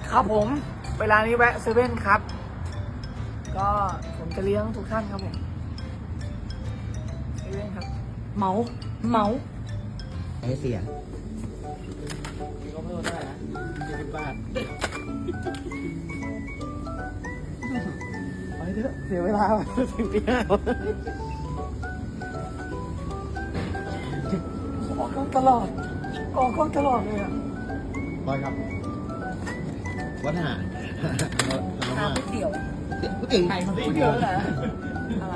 ครับผมเวลานี้แวะเซเว่นครับก็ผมจะเลี้ยงทุกท่านครับผมเซเว่นครับเหมาให้เสียมีก็เพิ่มได้นะ20 บาทไปเถอะเสียเวลาถึงที่ห้าออกกล้องตลอดเลยอ่ะบอยครับวัดหาก๋วยเตี๋ยวก๋วยเตี๋ยวไข่มันเยอะนะอะไร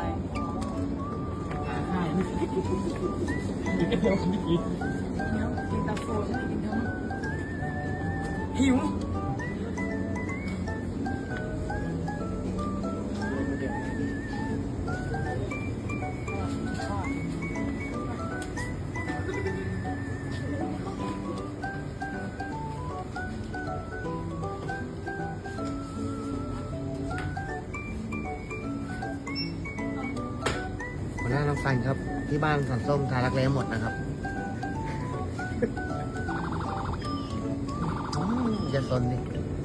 เดี๋ยวกินเนี้ยกินตาโฟใช่ไหมกินเนื้อหิวหัวหน้าน้องฟันครับ ที่บ้านสันส้มทารักแร้หมดนะครับอย่าสนดิ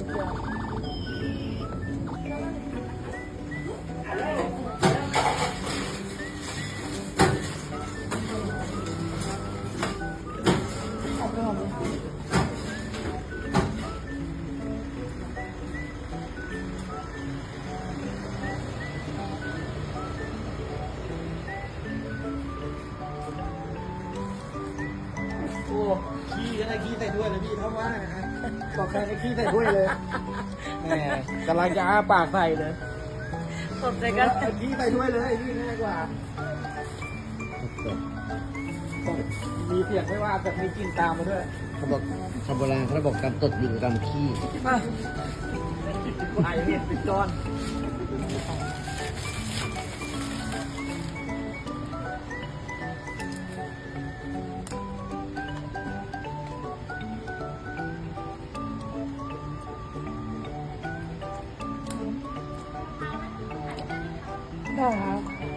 โอ้ขี้อะไรขี้ใส่ถ้วยเลยพี่เท่าว่านะครับบอกใครให้ขี้ใส่ถ้วยเลยแหมกำลังจะอ้าปากใส่เลยสดใจกันเอาขี้ใส่ถ้วยเลยพี่ง่ายกว่ามีเสียงไม่ว่าแต่มีกลิ่นตามมาด้วยเขาบอกชาวโบราณเขาบอกกำตดอยู่กับกำขี้มาไข่เห็ดปิดจอนได้ครับ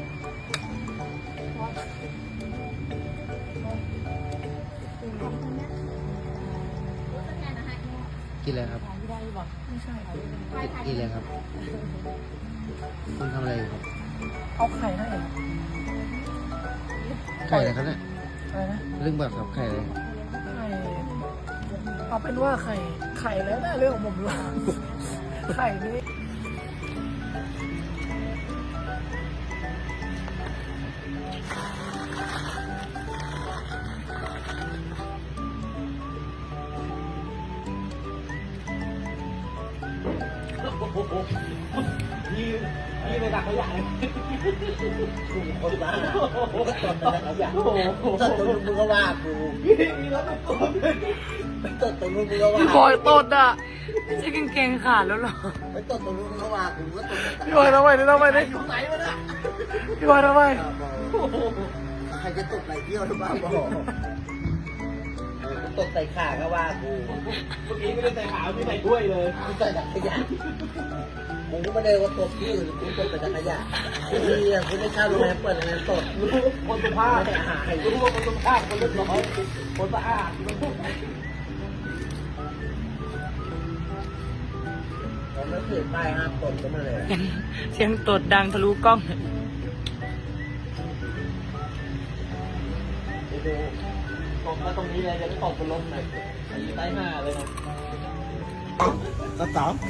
กินอะไรครับไม่ใช่ครับกินอะไรครับคุณทำอะไรอยู่ครับเอาไข่ให้เหรอไข่อะไรครับเนี่ยอะไรนะเรื่องแบบครับไข่อะไรไข่เอาเป็นว่าไข่แล้วนะเรื่องของผมดีกว่าไข่นี่นี่ไปดักขยะเลยกูคนบ้ากูก็ตดแต่ละอย่างตดตรงนู้นมึงก็ว่ากูมีรถตดไปตดตรงนู้นมึงก็ว่าพี่บอยตดอ่ะไม่ใช่กางเกงขาดแล้วหรอไปตดตรงนู้นมึงก็ว่ากูก็ตดแต่พี่บอยทำไมนี่ทำไมนี่อยู่ไหนวะเนี่ยพี่บอยทำไมใครจะตดไหลเที่ยวหรือเปล่าบอกตดใส่ขาก็ว่ากูเมื่อกี้ไม่ได้ใส่ขาวที่ใส่ถ้วยเลยกูใส่จักรยานมึงก็ไม่ได้ว่าตดที่อื่นกูตดแต่จักรยานที่กูไม่เช่าโรงแรมเปิดโรงแรมตดคนสุภาพไม่ได้หาใครรู้ว่าคนสุภาพคนเรียบร้อยคนสะอาดผมไม่ถือป้ายห้ามตดก็มาเลยเสียงตดดังทะลุกล้องไปดูตกมาตรงนี้เลยจะไม่ตกเป็นลมหน่อยใต้หน้าเลยนะก็สอง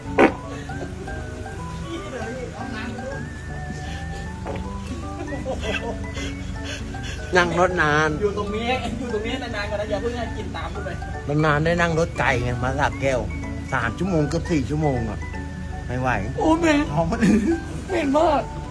นั่งรถนานอยู่ตรงนี้นานๆก่อนนะอย่าเพิ่งให้กินตามไปนานๆได้นั่งรถไกลไงมาสระแก้ว3 ชั่วโมงเกือบ4 ชั่วโมงอ่ะไม่ไหวโอ้เหม็นท้องมันเหม็นมาก